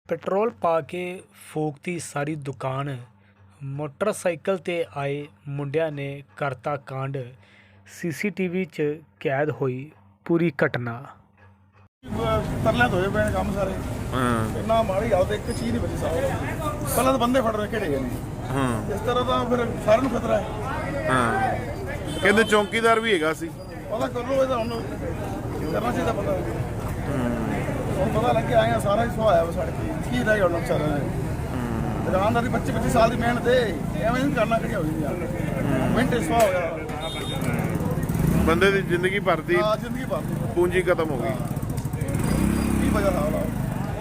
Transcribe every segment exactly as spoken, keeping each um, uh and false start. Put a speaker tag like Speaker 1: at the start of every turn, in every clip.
Speaker 1: Petrol ਪਾ ਕੇ ਫੂਕਤੀ ਸਾਰੀ ਦੁਕਾਨ। Motorcycle ਤੇ ਆਏ ਮੁੰਡਿਆਂ ਨੇ ਕਰਤਾ ਕਾਂਡ। ਸੀਸੀਟੀਵੀ 'ਚ ਕੈਦ ਹੋਈ ਪੂਰੀ ਘਟਨਾ।
Speaker 2: ਤਰਲਿਆਂ ਧੋਏ ਪਏ ਨੇ ਕੰਮ ਸਾਰੇ।
Speaker 3: ਹਾਂ
Speaker 2: ਇੰਨਾ ਮਾੜੀ ਹਾਲਤ, ਇੱਕ ਚੀਜ਼ ਨਹੀਂ ਬਚੀ ਸਾਰਾ। ਪਹਿਲਾਂ ਤਾਂ ਬੰਦੇ ਫੜ ਰੱਖੇ ਗਏ ਨੇ।
Speaker 3: ਹਾਂ
Speaker 2: ਇਸ ਤਰ੍ਹਾਂ ਤਾਂ ਫਿਰ ਸਾਰਿਆਂ ਨੂੰ ਖਤਰਾ ਹੈ।
Speaker 3: ਹਾਂ ਕਹਿੰਦੇ ਚੌਕੀਦਾਰ ਵੀ ਹੈਗਾ ਸੀ।
Speaker 2: ਪਤਾ ਕਰ ਲਓ, ਇਹਦਾ ਹੁਣ ਕਰਨਾ ਚਾਹੀਦਾ ਪਤਾ। ਹੁਣ ਪਤਾ ਲੱਗਿਆ ਆਇਆ ਸਾਰਾ ਹੀ ਸੁਹਾਇਆ ਵਾ ਸਾਡੇ ਕੀ ਕੀ ਰਹਿ ਗਿਆ ਹੁਣ ਵਿਚਾਰਿਆਂ ਨੇ। ਦੁਕਾਨਦਾਰ ਦੀ ਪੱਚੀ ਪੱਚੀ ਸਾਲ ਦੀ ਮਿਹਨਤ ਹੈ, ਐਵੇਂ ਨਹੀਂ ਕਰਨਾ ਕਿਹੜੀ ਹੋਈ ਯਾਰ। ਮਿੰਟ ਸੁਹਾ ਹੋ ਗਿਆ
Speaker 3: ਬੰਦੇ ਦੀ ਜ਼ਿੰਦਗੀ ਭਰ ਦੀ
Speaker 2: ਹਾਂ, ਜ਼ਿੰਦਗੀ ਭਰ ਦੀ
Speaker 3: ਪੂੰਜੀ ਖਤਮ ਹੋ ਗਈ।
Speaker 2: ਕੀ ਵਜ੍ਹਾ ਹਾਲ ਆ।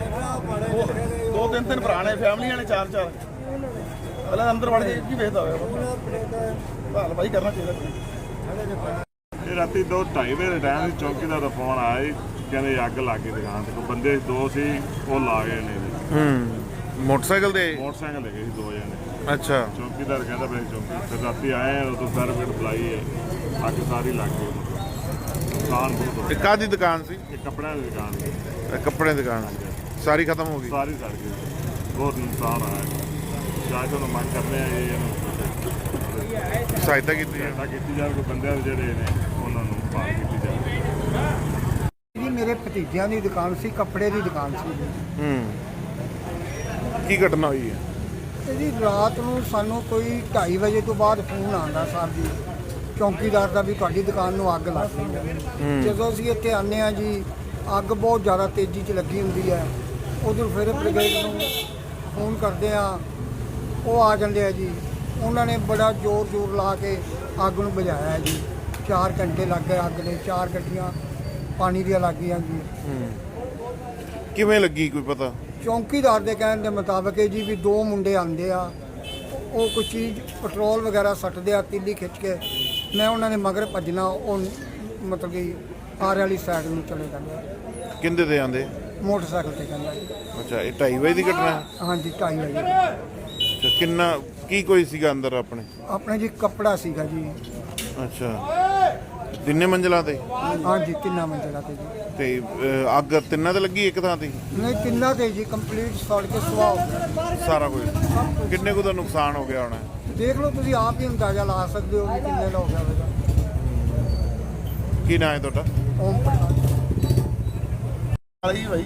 Speaker 2: ਦੋ ਦੋ ਤਿੰਨ ਤਿੰਨ ਭਰਾ ਨੇ, ਫੈਮਲੀਆਂ ਨੇ ਚਾਰ ਚਾਰ। ਪਹਿਲਾਂ ਅੰਦਰ ਵੜ ਕੇ ਕੀ ਵੇਖਦਾ ਹੋਇਆ। ਭਾਲ ਭਾਈ ਕਰਨਾ ਚਾਹੀਦਾ।
Speaker 4: ਇਹ ਰਾਤੀ ਦੋ ਢਾਈ ਵਜੇ ਦੇ ਟਾਈਮ ਚੌਕੀਦਾਰ ਦਾ ਫੋਨ ਆਇਆ ਜੀ, ਕਹਿੰਦੇ ਅੱਗ ਲੱਗ ਗਈ ਦੁਕਾਨ ਤੇ। ਕੋਈ ਬੰਦੇ ਦੋ ਸੀ, ਉਹ ਲਾ ਗਏ ਨੇ ਜੀ।
Speaker 3: ਹੂੰ ਮੋਟਰਸਾਈਕਲ ਤੇ
Speaker 4: ਮੋਟਰਸਾਈਕਲ ਲੈ ਗਏ ਸੀ ਦੋ ਜਣੇ।
Speaker 3: ਅੱਛਾ
Speaker 4: ਚੌਕੀਦਾਰ ਕਹਿੰਦਾ ਬਈ ਚੌਕੀ ਫਿਰ ਰਾਤੀ ਆਏ ਉਦੋਂ ਫਾਇਰ ਬ੍ਰਿਗੇਡ ਬੁਲਾਈ ਹੈ। ਅੱਗ ਸਾਰੀ ਲੱਗ ਗਈ। ਦੁਕਾਨ ਬਹੁਤ ਹੋ
Speaker 3: ਇਹ ਕਾਹਦੀ ਦੁਕਾਨ ਸੀ?
Speaker 4: ਇਹ ਕੱਪੜਿਆਂ ਦੀ ਦੁਕਾਨ ਸੀ।
Speaker 3: ਇਹ ਕੱਪੜੇ ਦੀ ਦੁਕਾਨ ਸਾਰੀ ਖਤਮ ਹੋ ਗਈ।
Speaker 4: ਸਾਰੀ ਸੜ ਗਈ। ਬਹੁਤ ਨੁਕਸਾਨ ਆਇਆ। ਸ਼ਾਇਦ ਉਹਨੂੰ ਮੰਗ ਕਰਦੇ ਆ ਇਹ ਇਹਨੂੰ
Speaker 3: ਸਹਾਇਤਾ ਕੀਤੀ ਹੈ।
Speaker 4: ਸਹਾਇਤਾ ਕੀਤੀ ਜਾਵੇ। ਕੋਈ ਬੰਦਿਆਂ ਦੇ ਜਿਹੜੇ ਨੇ ਉਹਨਾਂ ਨੂੰ ਭਾਲ ਕੀਤੀ ਜਾਵੇ।
Speaker 5: ਜੀ ਮੇਰੇ ਭਤੀਜਿਆਂ ਦੀ ਦੁਕਾਨ ਸੀ, ਕੱਪੜੇ ਦੀ ਦੁਕਾਨ ਸੀ ਜੀ।
Speaker 3: ਹੂੰ ਕੀ ਘਟਨਾ ਹੋਈ ਹੈ?
Speaker 5: ਤੇ ਜੀ ਰਾਤ ਨੂੰ ਸਾਨੂੰ ਕੋਈ ਢਾਈ ਵਜੇ ਤੋਂ ਬਾਅਦ ਫੋਨ ਆਉਂਦਾ ਸਾਹਿਬ ਜੀ ਚੌਕੀਦਾਰ ਦਾ ਵੀ ਤੁਹਾਡੀ ਦੁਕਾਨ ਨੂੰ ਅੱਗ ਲੱਗ ਗਈ ਹੈ। ਜਦੋਂ ਅਸੀਂ ਇੱਥੇ ਆਉਂਦੇ ਹਾਂ ਜੀ, ਅੱਗ ਬਹੁਤ ਜ਼ਿਆਦਾ ਤੇਜ਼ੀ 'ਚ ਲੱਗੀ ਹੁੰਦੀ ਹੈ। ਉਧਰ ਫਿਰ ਬ੍ਰਿਗੇਡ ਨੂੰ ਫੋਨ ਕਰਦੇ ਆ, ਉਹ ਆ ਜਾਂਦੇ ਆ ਜੀ। ਉਹਨਾਂ ਨੇ ਬੜਾ ਜ਼ੋਰ ਜ਼ੋਰ ਲਾ ਕੇ ਅੱਗ ਨੂੰ ਬੁਝਾਇਆ ਹੈ ਜੀ। ਚਾਰ ਘੰਟੇ ਲੱਗ ਗਏ ਅੱਗ ਦੇ, ਚਾਰ ਗੱਡੀਆਂ ਪਾਣੀ ਦੀਆਂ ਲੱਗ ਗਈਆਂ ਜੀ।
Speaker 3: ਕਿਵੇਂ ਲੱਗੀ ਕੋਈ ਪਤਾ?
Speaker 5: ਚੌਕੀਦਾਰ ਦੇ ਕਹਿਣ ਦੇ ਮੁਤਾਬਕ ਜੀ ਵੀ ਦੋ ਮੁੰਡੇ ਆਉਂਦੇ ਆ, ਉਹ ਕੋਈ ਚੀਜ਼ ਪੈਟਰੋਲ ਵਗੈਰਾ ਸੱਟਦੇ ਆ ਤੀਲੀ ਖਿੱਚ ਕੇ। ਮੈਂ ਉਹਨਾਂ ਨੇ ਮਗਰ ਭੱਜਣਾ, ਉਹ ਮਤਲਬ ਕਿ ਆਰ ਵਾਲੀ ਸਾਈਡ ਨੂੰ ਚਲੇ ਜਾਂਦੇ।
Speaker 3: ਕਿੰਦੇ ਤੇ ਆਂਦੇ?
Speaker 5: ਮੋਟਰਸਾਈਕਲ ਤੇ ਕਹਿੰਦਾ ਜੀ।
Speaker 3: ਅੱਛਾ ਇਹ ਢਾਈ ਵਜੇ ਦੀ ਘਟਨਾ ਹੈ?
Speaker 5: ਹਾਂਜੀ ਢਾਈ ਵਜੇ।
Speaker 3: ਅੱਛਾ ਕਿੰਨਾ ਕੀ ਕੋਈ ਸੀਗਾ ਅੰਦਰ ਆਪਣੇ?
Speaker 5: ਆਪਣੇ ਜੀ ਕੱਪੜਾ ਸੀਗਾ ਜੀ।
Speaker 3: ਅੱਛਾ ਤਿੰਨੇ ਮੰਜ਼ਲਾਂ ਤੇ?
Speaker 5: ਹਾਂਜੀ ਤਿੰਨਾਂ ਮੰਜ਼ਿਲਾਂ ਤੇ ਜੀ।
Speaker 3: ਤੇ ਅਹ, ਅੱਗ ਤਿੰਨਾਂ ਤੇ ਲੱਗੀ ਇੱਕ ਥਾਂ ਤੇ?
Speaker 5: ਨਹੀਂ ਤਿੰਨਾਂ ਤੇ ਜੀ ਕੰਪਲੀਟ ਸੜ ਕੇ ਸੁਆਹ ਹੋ ਗਿਆ
Speaker 3: ਸਾਰਾ ਕੁਝ। ਕਿੰਨੇ ਕੁ ਦਾ ਨੁਕਸਾਨ ਹੋ ਗਿਆ ਹੋਣਾ?
Speaker 5: ਦੇਖ ਲਓ ਤੁਸੀਂ ਆਪ ਹੀ ਅੰਦਾਜ਼ਾ ਲਾ ਸਕਦੇ ਹੋ ਵੀ ਕਿੰਨੇ ਦਾ ਹੋ ਗਿਆ ਹੋਵੇਗਾ।
Speaker 3: ਕੀ ਨਾਂ ਹੈ ਤੁਹਾਡਾ?
Speaker 5: ਓਮ ਪ੍ਰਕਾਸ਼।
Speaker 2: ਵਾਲੀ ਭਾਈ